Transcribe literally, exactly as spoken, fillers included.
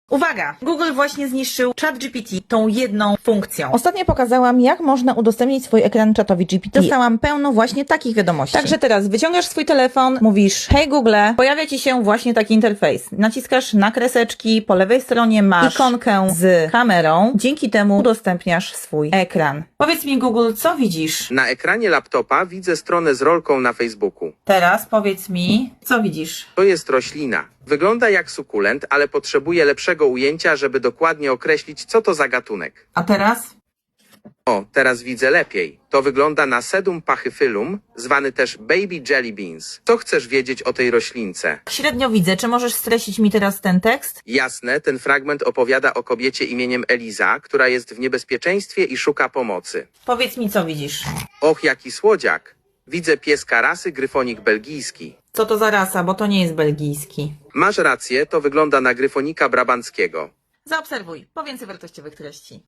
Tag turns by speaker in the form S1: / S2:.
S1: Uwaga! Google właśnie zniszczył ChatGPT tą jedną funkcją.
S2: Ostatnio pokazałam, jak można udostępnić swój ekran czatowi G P T. Dostałam pełno właśnie takich wiadomości. Także teraz wyciągasz swój telefon, mówisz hej Google, pojawia Ci się właśnie taki interfejs. Naciskasz na kreseczki, po lewej stronie masz ikonkę z kamerą. Dzięki temu udostępniasz swój ekran.
S1: Powiedz mi Google, co widzisz?
S3: Na ekranie laptopa widzę stronę z rolką na Facebooku.
S1: Teraz powiedz mi, co widzisz?
S3: To jest roślina. Wygląda jak sukulent, ale potrzebuje lepszego ujęcia, żeby dokładnie określić, co to za gatunek.
S1: A teraz?
S3: O, teraz widzę lepiej. To wygląda na Sedum pachyphilum, zwany też baby jelly beans. Co chcesz wiedzieć o tej roślince?
S1: Średnio widzę. Czy możesz streścić mi teraz ten tekst?
S3: Jasne, ten fragment opowiada o kobiecie imieniem Eliza, która jest w niebezpieczeństwie i szuka pomocy.
S1: Powiedz mi, co widzisz?
S3: Och, jaki słodziak. Widzę pieska rasy gryfonik belgijski.
S1: Co to za rasa, bo to nie jest belgijski.
S3: Masz rację, to wygląda na gryfonika brabanckiego.
S1: Zaobserwuj. Po więcej wartościowych treści.